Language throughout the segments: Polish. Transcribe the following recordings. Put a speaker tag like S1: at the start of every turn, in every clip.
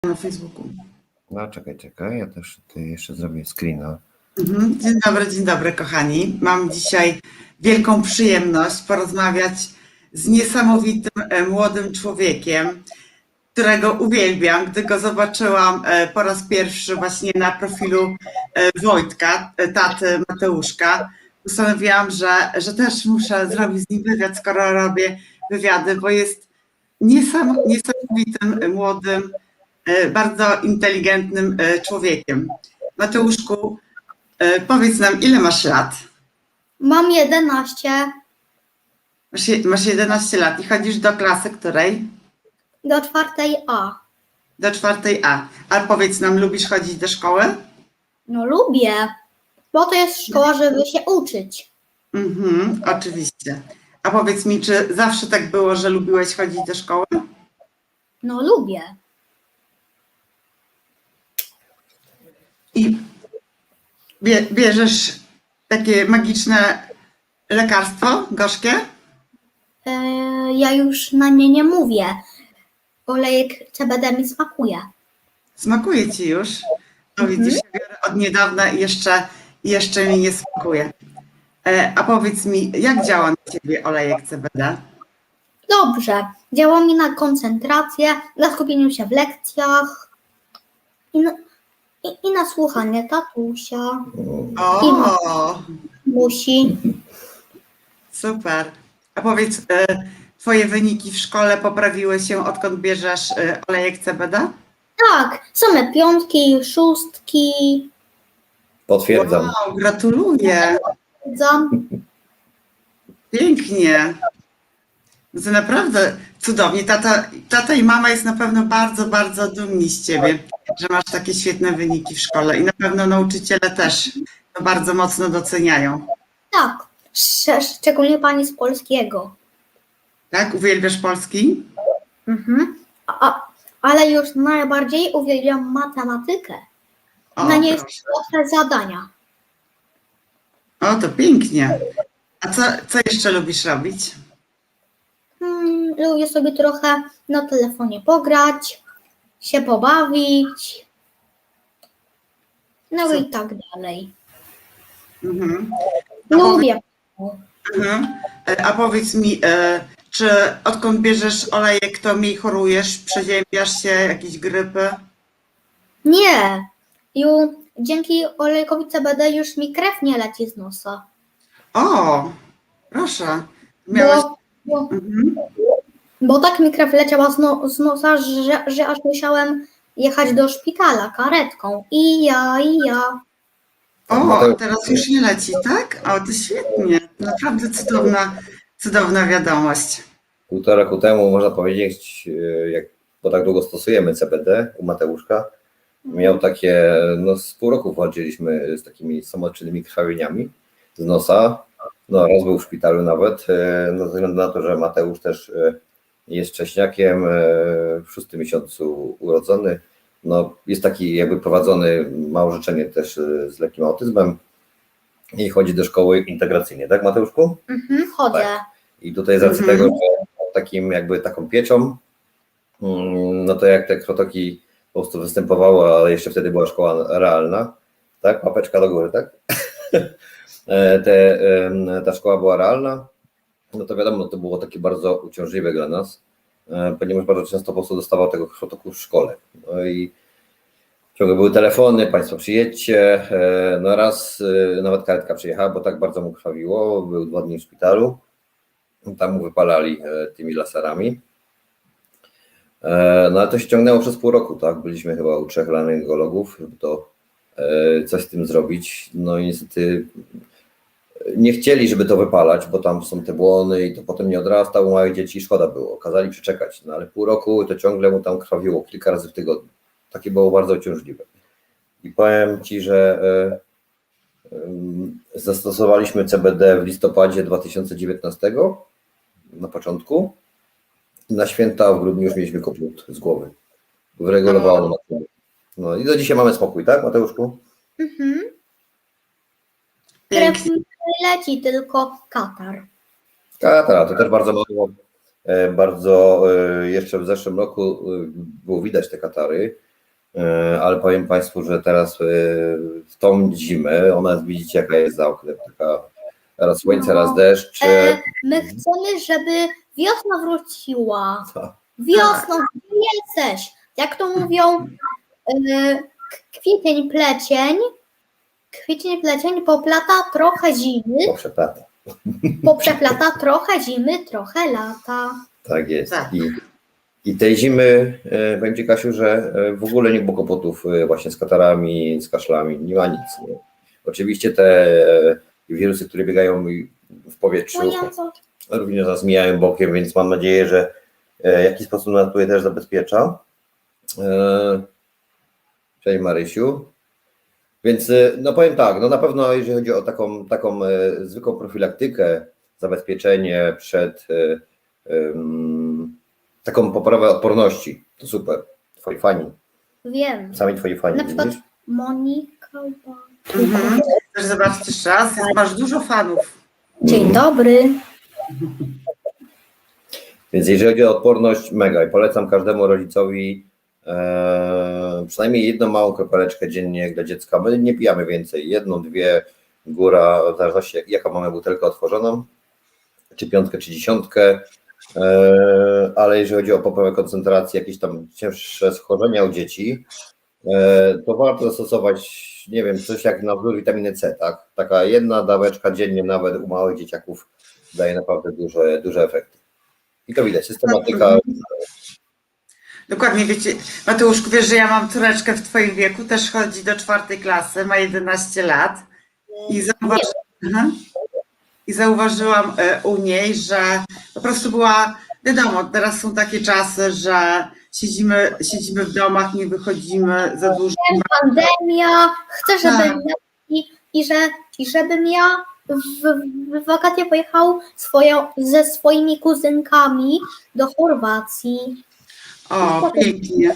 S1: na Facebooku.
S2: No czekaj, ja też tutaj jeszcze zrobię screena.
S1: Dzień dobry kochani. Mam dzisiaj wielką przyjemność porozmawiać z niesamowitym młodym człowiekiem, którego uwielbiam. Gdy go zobaczyłam po raz pierwszy właśnie na profilu Wojtka, taty Mateuszka, postanowiłam, że też muszę zrobić z nim wywiad, skoro robię wywiady, bo jest niesamowitym, młodym, bardzo inteligentnym człowiekiem. Mateuszku, powiedz nam, ile masz lat?
S3: Mam 11.
S1: Masz 11 lat i chodzisz do klasy której?
S3: Do 4A.
S1: Do 4A. A powiedz nam, lubisz chodzić do szkoły?
S3: No lubię, bo to jest szkoła, żeby się uczyć.
S1: Oczywiście. A powiedz mi, czy zawsze tak było, że lubiłeś chodzić do szkoły?
S3: No lubię.
S1: I bierzesz takie magiczne lekarstwo gorzkie?
S3: Ja już na nie nie mówię. Olejek CBD mi smakuje.
S1: Smakuje ci już? No widzisz, ja biorę od niedawna i jeszcze mi nie smakuje. A powiedz mi, jak działa na ciebie olejek CBD?
S3: Dobrze. Działa mi na koncentrację, na skupieniu się w lekcjach i na słuchanie tatusia.
S1: O,
S3: Musi.
S1: super. A powiedz, twoje wyniki w szkole poprawiły się, odkąd bierzesz olejek CBD?
S3: Tak, same 5, 6.
S2: Potwierdzam.
S1: Wow, gratuluję. Pięknie. To naprawdę cudownie. Tata i mama jest na pewno bardzo, bardzo dumni z ciebie, że masz takie świetne wyniki w szkole i na pewno nauczyciele też to bardzo mocno doceniają.
S3: Tak, szczególnie pani z polskiego.
S1: Tak? Uwielbiasz polski?
S3: Ale już najbardziej uwielbiam matematykę.
S1: O,
S3: Na niej jest
S1: proszę.
S3: łatwe zadania.
S1: O, to pięknie. A co jeszcze lubisz robić?
S3: Lubię sobie trochę na telefonie pograć, się pobawić. No i tak dalej. Lubię.
S1: A powiedz mi, czy odkąd bierzesz olejek, to mniej chorujesz, przeziębiasz się, jakieś grypy?
S3: Nie. Dzięki olejkowi CBD już mi krew nie leci z nosa.
S1: O, proszę. Miałeś...
S3: Bo tak mi krew leciała z nosa, że aż musiałem jechać do szpitala karetką. I ja.
S1: O, a teraz już nie leci, tak? O, to świetnie. Naprawdę cudowna wiadomość.
S2: 1,5 roku temu, można powiedzieć, bo tak długo stosujemy CBD u Mateuszka, miał takie, z pół roku walczyliśmy z takimi samoczynnymi krwawieniami z nosa. No, raz był w szpitalu nawet, ze względu na to, że Mateusz też jest wcześniakiem, w 6. miesiącu urodzony. No, jest taki jakby prowadzony, ma orzeczenie też z lekkim autyzmem i chodzi do szkoły integracyjnej, tak Mateuszku?
S3: Chodzę.
S2: Tak. I tutaj z racji tego, że takim jakby taką pieczą, no to jak te krwotoki po prostu występowały, ale jeszcze wtedy była szkoła realna, tak? Łapeczka do góry, tak? Ta szkoła była realna, no to wiadomo, to było takie bardzo uciążliwe dla nas, ponieważ bardzo często po prostu dostawał tego krwotoku w szkole. No i ciągle były telefony, państwo przyjedźcie, no raz nawet karetka przyjechała, bo tak bardzo mu krwawiło, był 2 dni w szpitalu, tam mu wypalali tymi laserami. No ale to się ciągnęło przez pół roku, tak? Byliśmy chyba u 3 laryngologów, żeby to coś z tym zrobić. No i niestety nie chcieli, żeby to wypalać, bo tam są te błony i to potem nie odrastało u małych dzieci i szkoda było. Kazali przeczekać, no ale pół roku to ciągle mu tam krwawiło kilka razy w tygodniu. Takie było bardzo uciążliwe. I powiem Ci, że zastosowaliśmy CBD w listopadzie 2019 na początku. Na święta w grudniu już mieliśmy kopniut z głowy. Wyregulowało na. No i do dzisiaj mamy spokój, tak Mateuszku?
S3: Krew mi nie leci, tylko katar.
S2: Katar, to też bardzo mało. Bardzo jeszcze w zeszłym roku było widać te katary. ale powiem Państwu, że teraz w tą zimę, ona jest, widzicie jaka jest za oknem, taka raz słońce, raz deszcz.
S3: My chcemy, żeby wiosna wróciła.
S2: Tak.
S3: Wiosno, gdzie jesteś? Jak to mówią, kwiecień, plecień. Kwiecień, plecień poplata trochę zimy,
S2: Poprzeplata.
S3: poprzeplata trochę zimy, trochę lata.
S2: Tak jest.
S1: Tak.
S2: I tej zimy, powiem Ci, Kasiu, że w ogóle nie było kłopotów właśnie z katarami, z kaszlami, nie ma nic. Nie? Oczywiście te wirusy, które biegają w powietrzu, również nas mijają bokiem, więc mam nadzieję, że w jakiś sposób nas tutaj też zabezpiecza. Cześć Marysiu. Więc no powiem tak, no na pewno jeżeli chodzi o taką zwykłą profilaktykę, zabezpieczenie przed taką poprawę odporności, to super. Twoi fani,
S3: Wiem.
S2: sami twoi fani,
S3: Na przykład
S2: widzisz?
S3: Monika.
S1: Chcesz zobaczyć jeszcze raz? Masz dużo fanów.
S3: Dzień dobry.
S2: Więc jeżeli chodzi o odporność, mega i polecam każdemu rodzicowi przynajmniej jedną małą kropeleczkę dziennie dla dziecka. My nie pijamy więcej, jedną, dwie, góra, w zależności jaka mamy butelkę otworzoną, czy 5, czy 10, ale jeżeli chodzi o poprawę koncentracji, jakieś tam cięższe schorzenia u dzieci, to warto zastosować, nie wiem, coś jak na wzór witaminy C, tak? Taka jedna daweczka dziennie nawet u małych dzieciaków daje naprawdę duże efekty. I to widać, systematyka.
S1: Dokładnie, wiecie, Mateuszku, wiesz, że ja mam córeczkę w twoim wieku, też chodzi do 4. klasy, ma 11 lat i zauważyłam u niej, że po prostu była, wiadomo, teraz są takie czasy, że siedzimy w domach, nie wychodzimy za dużo.
S3: Pandemia. Chcę, żebym
S1: Tak.
S3: i żebym ja w wakacje pojechał ze swoimi kuzynkami do Chorwacji.
S1: O, pięknie.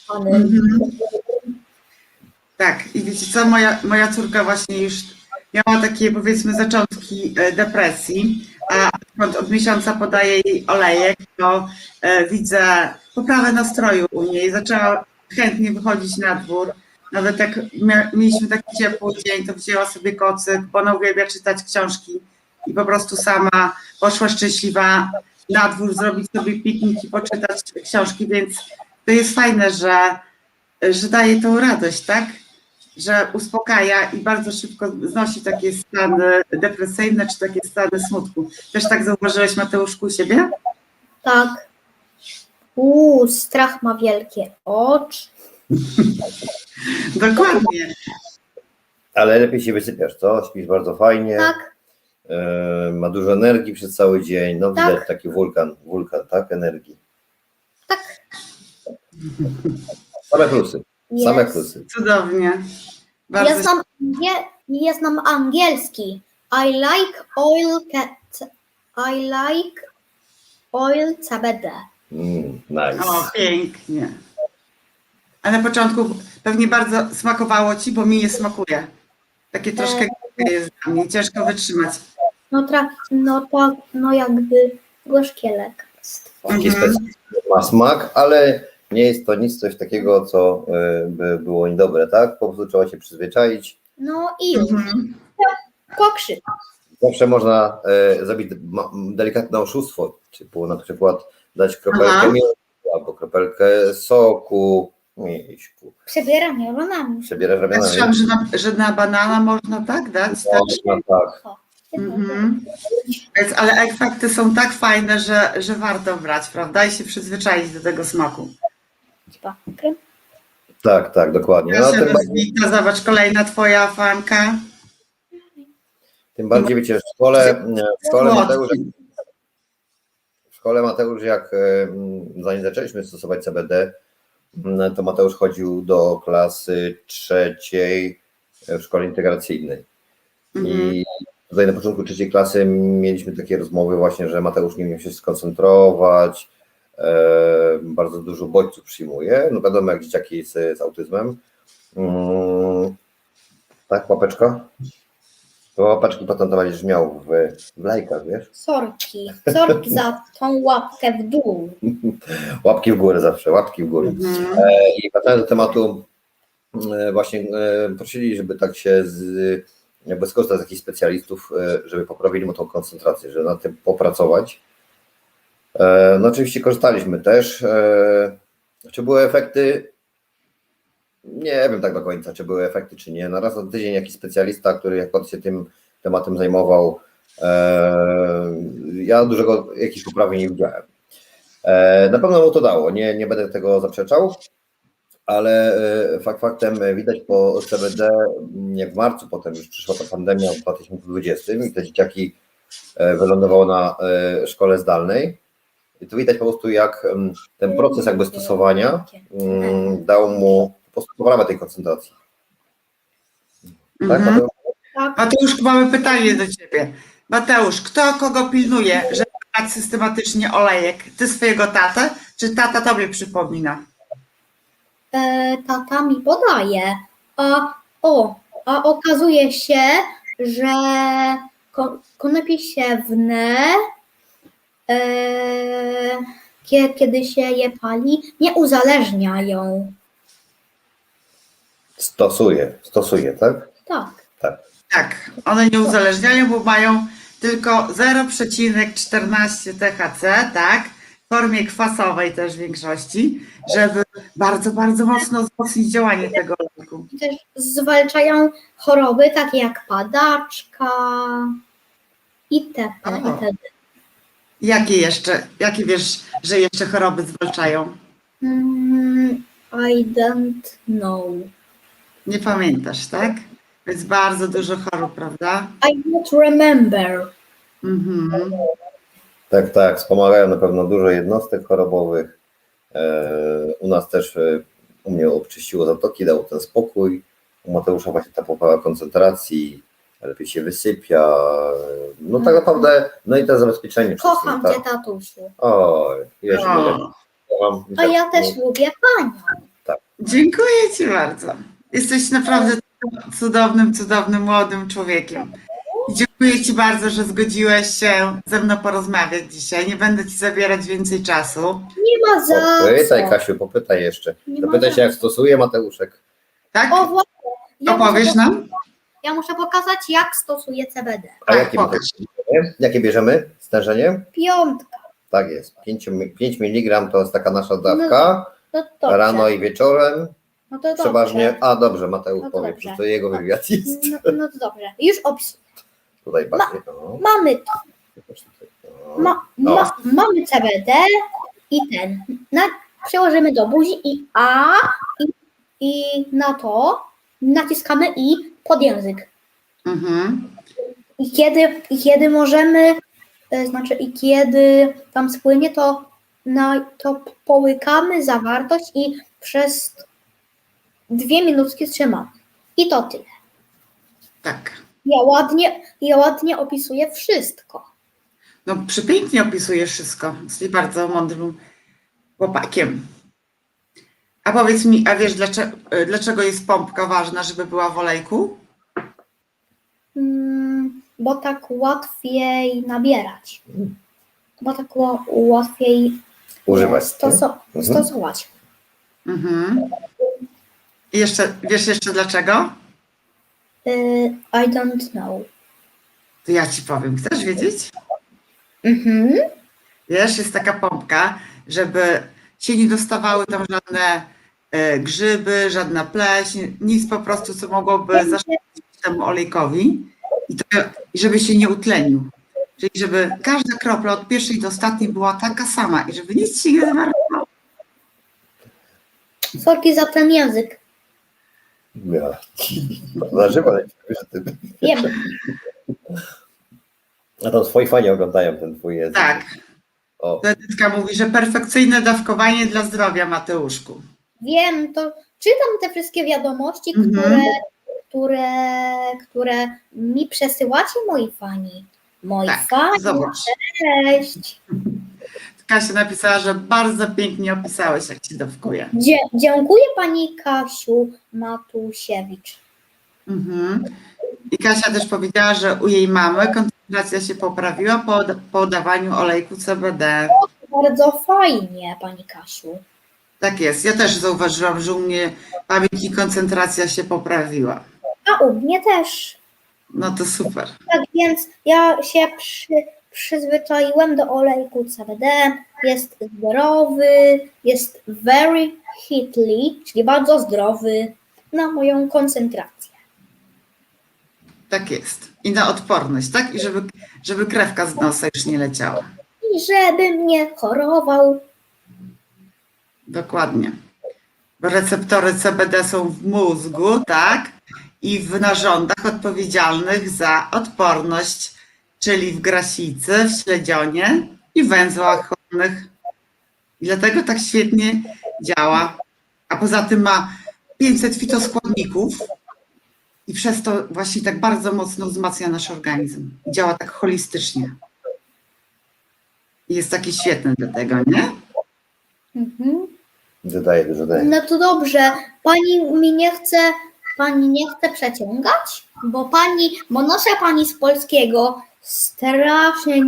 S1: Tak, i wiecie co, moja córka właśnie już miała takie, powiedzmy, zaczątki depresji, a od miesiąca podaję jej olejek, to widzę poprawę nastroju u niej. Zaczęła chętnie wychodzić na dwór. Nawet jak mieliśmy taki ciepły dzień, to wzięła sobie kocyk, bo ona uwielbia czytać książki i po prostu sama poszła szczęśliwa na dwór, zrobić sobie piknik i poczytać książki, więc to jest fajne, że daje tą radość, tak? Że uspokaja i bardzo szybko znosi takie stany depresyjne czy takie stany smutku. Też tak zauważyłeś, Mateuszku, u siebie?
S3: Tak. Strach ma wielkie oczy.
S1: Dokładnie.
S2: Ale lepiej się wysypiasz, co? Śpisz bardzo fajnie,
S3: Tak,
S2: ma dużo energii przez cały dzień, no
S3: Tak.
S2: widać taki wulkan, tak, energii.
S3: tak.
S2: Same plusy, same
S3: Jest.
S2: plusy.
S1: Cudownie. Bardzo
S3: Ja znam angielski. I like oil CBD.
S2: Nice.
S1: O, pięknie. A na początku pewnie bardzo smakowało ci, bo mi nie smakuje. Takie troszkę jest dla mnie, ciężko wytrzymać.
S3: No jakby gorzkie lekarstwo.
S2: Taki specyficzny ma smak, ale nie jest to coś takiego, co by było niedobre, tak? Po prostu trzeba się przyzwyczaić.
S3: No i już. Pokrzyk.
S2: Zawsze można zrobić delikatne oszustwo, typu na przykład dać kropelkę miodu albo kropelkę soku. Miśku.
S3: Przebieram neuronami.
S2: Przebierasz
S1: Ja
S2: ramionami.
S1: słyszałam, że na banana można tak dać? Tak?
S2: Można, tak.
S1: Więc, ale efekty są tak fajne, że warto brać, prawda? I się przyzwyczaić do tego smaku.
S2: Tak, dokładnie. No,
S1: Proszę, Rozwita, zobacz, kolejna twoja fanka.
S2: tym bardziej wiecie, w szkole Mateusz, jak zanim zaczęliśmy stosować CBD, to Mateusz chodził do klasy 3 w szkole integracyjnej. I tutaj na początku 3 klasy mieliśmy takie rozmowy właśnie, że Mateusz nie umiał się skoncentrować, bardzo dużo bodźców przyjmuje, no wiadomo jak dzieciaki z autyzmem. Tak, łapeczka? To łapaczki potem to będziesz miał w lajkach, wiesz?
S3: Sorki za tą łapkę w dół.
S2: Łapki w górę zawsze, łapki w górę.
S1: Mhm.
S2: I wracając do tematu, właśnie prosili, żeby tak się jakby skorzystać z jakichś specjalistów, żeby poprawili mu tą koncentrację, żeby nad tym popracować. No oczywiście korzystaliśmy też. Czy były efekty? Nie wiem tak do końca, czy były efekty, czy nie. Na raz na tydzień jakiś specjalista, który akurat się tym tematem zajmował, ja dużego jakichś poprawień nie widziałem. Na pewno mu to dało, nie będę tego zaprzeczał, ale faktem widać po CBD, jak w marcu potem już przyszła ta pandemia w 2020 i te dzieciaki wylądowało na szkole zdalnej. I tu widać po prostu, jak ten proces jakby stosowania dał mu po prostu poprawę tej koncentracji. Tak,
S1: Mhm.
S2: Mateusz?
S3: Tak,
S1: Mateusz, mamy pytanie do ciebie. Mateusz, kto kogo pilnuje, żeby brać systematycznie olejek? Ty swojego tatę, czy tata tobie przypomina?
S3: tata mi podaje. A okazuje się, że konopie siewne, kiedy się je pali, nie uzależniają.
S2: Stosuje, tak?
S3: Tak.
S1: Tak, one nie uzależniają, bo mają tylko 0,14 THC, tak? W formie kwasowej też w większości, żeby bardzo, bardzo mocno wzmocnić działanie tego leku.
S3: I też zwalczają choroby takie jak padaczka itp. itd.
S1: Jakie wiesz, że jeszcze choroby zwalczają?
S3: I don't know.
S1: Nie pamiętasz, tak? Jest bardzo dużo chorób, prawda?
S3: I don't remember.
S1: Mhm.
S2: Tak, wspomagają na pewno dużo jednostek chorobowych. U nas też, u mnie obczyściło zatoki, dało ten spokój. U Mateusza właśnie ta poprawa koncentracji, lepiej się wysypia. No tak naprawdę, no i to zabezpieczenie.
S3: Kocham
S2: wszystkim,
S3: cię,
S2: tak?
S3: tatusiu.
S2: Oj, wiesz,
S1: O,
S3: A ja też lubię panią.
S1: dziękuję ci bardzo. Jesteś naprawdę cudownym, cudownym młodym człowiekiem. I dziękuję ci bardzo, że zgodziłeś się ze mną porozmawiać dzisiaj. Nie będę ci zabierać więcej czasu.
S3: Nie ma za
S2: Popytaj,
S3: co.
S2: Kasiu, popytaj jeszcze.
S3: Nie ma
S2: Zapytaj
S3: za
S2: się, jak stosuje Mateuszek.
S1: Tak?
S3: O, właśnie.
S1: Opowiesz nam?
S3: Ja muszę pokazać, jak stosuję CBD.
S2: A
S1: Tak,
S2: jakie,
S1: pokaż.
S2: jakie bierzemy stężenie?
S3: 5.
S2: Tak jest, 5 mg to jest taka nasza dawka,
S3: No dobrze.
S2: rano i wieczorem,
S3: No to dobrze.
S2: przeważnie, a dobrze, Mateusz
S3: No to
S2: powie,
S3: dobrze.
S2: przecież to jego wywiad jest,
S3: No to dobrze. Już opisuję.
S2: tutaj bardziej, no.
S3: Mamy to.
S2: No.
S3: Mamy CBD i ten. Przełożymy do buzi i na to naciskamy i pod język.
S1: Mhm.
S3: I kiedy możemy, i kiedy tam spłynie, to połykamy zawartość i przez 2 minutki trzymamy. I to tyle.
S1: Tak.
S3: Ja ładnie opisuję wszystko.
S1: No, przepięknie opisujesz wszystko. Jesteś bardzo mądrym chłopakiem. A powiedz mi, a wiesz, dlaczego jest pompka ważna, żeby była w olejku?
S3: Bo tak łatwiej nabierać. Bo tak łatwiej
S2: Używać.
S3: stosować.
S1: Mhm. I wiesz jeszcze dlaczego?
S3: I don't know.
S1: To ja ci powiem. Chcesz wiedzieć?
S3: Mhm.
S1: Wiesz, jest taka pompka, żeby się nie dostawały tam żadne grzyby, żadna pleśń, nic po prostu, co mogłoby zaszkodzić temu olejkowi i żeby się nie utlenił. Czyli żeby każda kropla od pierwszej do ostatniej była taka sama i żeby nic się nie zmarnowało.
S3: Sorki za ten język.
S2: Ja. Na żywo, że ty.
S3: Wiem.
S2: A tam swoi fani oglądają ten twój język.
S1: Tak.
S2: O.
S1: Edytka mówi, że perfekcyjne dawkowanie dla zdrowia, Mateuszku.
S3: Wiem, to czytam te wszystkie wiadomości, które mi przesyłacie moi fani. Moi
S1: Tak,
S3: fani,
S1: zobacz.
S3: cześć.
S1: Kasia napisała, że bardzo pięknie opisałeś, jak się dawkuje.
S3: Dziękuję pani Kasiu Matusiewicz.
S1: Mhm. I Kasia też powiedziała, że u jej mamy koncentracja się poprawiła po dawaniu olejku CBD.
S3: Bardzo fajnie, pani Kasiu.
S1: Tak jest. Ja też zauważyłam, że u mnie pamięć i koncentracja się poprawiła.
S3: A u mnie też.
S1: No to super.
S3: Tak więc ja się przyzwyczaiłem do olejku CBD. Jest zdrowy, jest very hitly, czyli bardzo zdrowy na moją koncentrację.
S1: Tak jest. I na odporność, tak? I żeby krewka z nosa już nie leciała.
S3: I żebym nie chorował.
S1: Dokładnie. Bo receptory CBD są w mózgu, tak? I w narządach odpowiedzialnych za odporność, czyli w grasicy, w śledzionie i węzłach chłonnych. I dlatego tak świetnie działa. A poza tym ma 500 fitoskładników i przez to właśnie tak bardzo mocno wzmacnia nasz organizm. I działa tak holistycznie. I jest taki świetny do tego, nie?
S3: Mhm.
S2: Dodaję, dużo daję.
S3: No to dobrze. Pani nie chce przeciągać? Bo nasza pani z polskiego strasznie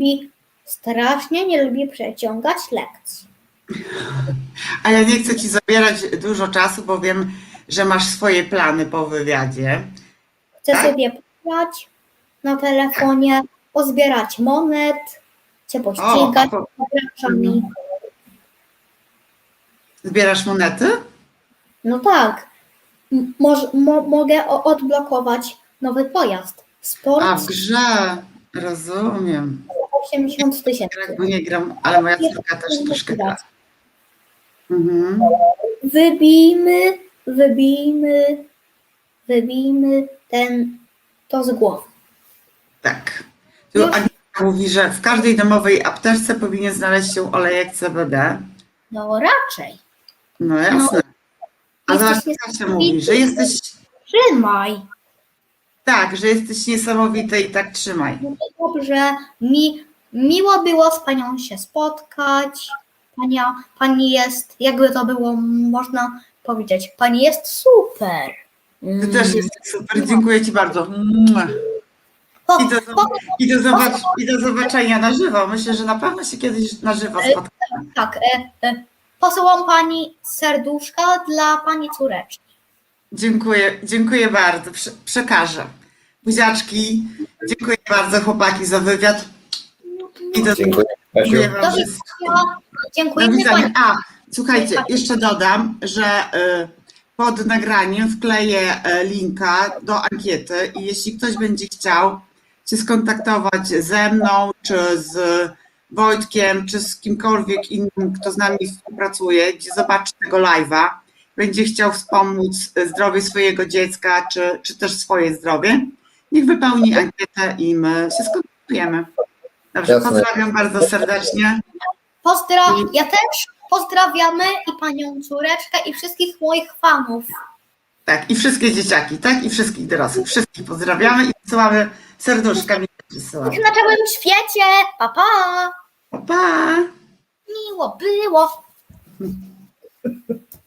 S3: nie lubi przeciągać lekcji.
S1: A ja nie chcę ci zabierać dużo czasu, bo wiem, że masz swoje plany po wywiadzie.
S3: Chcę
S1: Tak?
S3: sobie pograć na telefonie, pozbierać monet, cię pościgać z graczami.
S1: Zbierasz monety?
S3: No tak. Mogę odblokować nowy pojazd. Sport
S1: A w grze, rozumiem.
S3: 80 000.
S1: Bo nie gram, ale moja córka też troszkę gra. Mhm.
S3: Wybijmy to z głowy.
S1: Tak. Tu
S3: Już.
S1: Agnieszka mówi, że w każdej domowej apteczce powinien znaleźć się olejek CBD.
S3: No raczej.
S1: No jasne. A
S3: Jesteś
S1: zobacz, Kasia mówi, że jesteś,
S3: Trzymaj.
S1: tak, że jesteś niesamowity i tak trzymaj.
S3: No to dobrze. Miło było z panią się spotkać. Pani jest, jakby to było można powiedzieć, pani jest super.
S1: Ty też jesteś super, dziękuję ci bardzo.
S3: Po-
S1: I do zobaczenia na żywo. Myślę, że na pewno się kiedyś na żywo spotkamy.
S3: Tak, posyłam pani serduszka dla pani córeczki.
S1: Dziękuję bardzo. Przekażę. Buziaczki. Dziękuję bardzo chłopaki za wywiad. I
S2: Dziękuję, Kasiu.
S1: dziękuję wam
S3: Do
S1: wszystkim.
S3: widzenia.
S1: Do
S3: Dziękujemy
S1: widzenia.
S3: pani.
S1: A, słuchajcie, jeszcze dodam, że pod nagraniem wkleję linka do ankiety i jeśli ktoś będzie chciał się skontaktować ze mną, czy z Wojtkiem, czy z kimkolwiek innym, kto z nami współpracuje, gdzie zobaczy tego live'a, będzie chciał wspomóc zdrowie swojego dziecka, czy też swoje zdrowie, niech wypełni ankietę i my się skontaktujemy. Dobrze,
S2: Jasne.
S1: pozdrawiam bardzo serdecznie.
S3: Ja też pozdrawiamy i panią córeczkę i wszystkich moich fanów.
S1: Tak, i wszystkie dzieciaki, tak? I wszystkich dorosłych. Wszystkich pozdrawiamy i wysyłamy serduszkami. Wysyłamy.
S3: Na całym świecie. Pa, pa.
S1: Pa, pa!
S3: Miło było.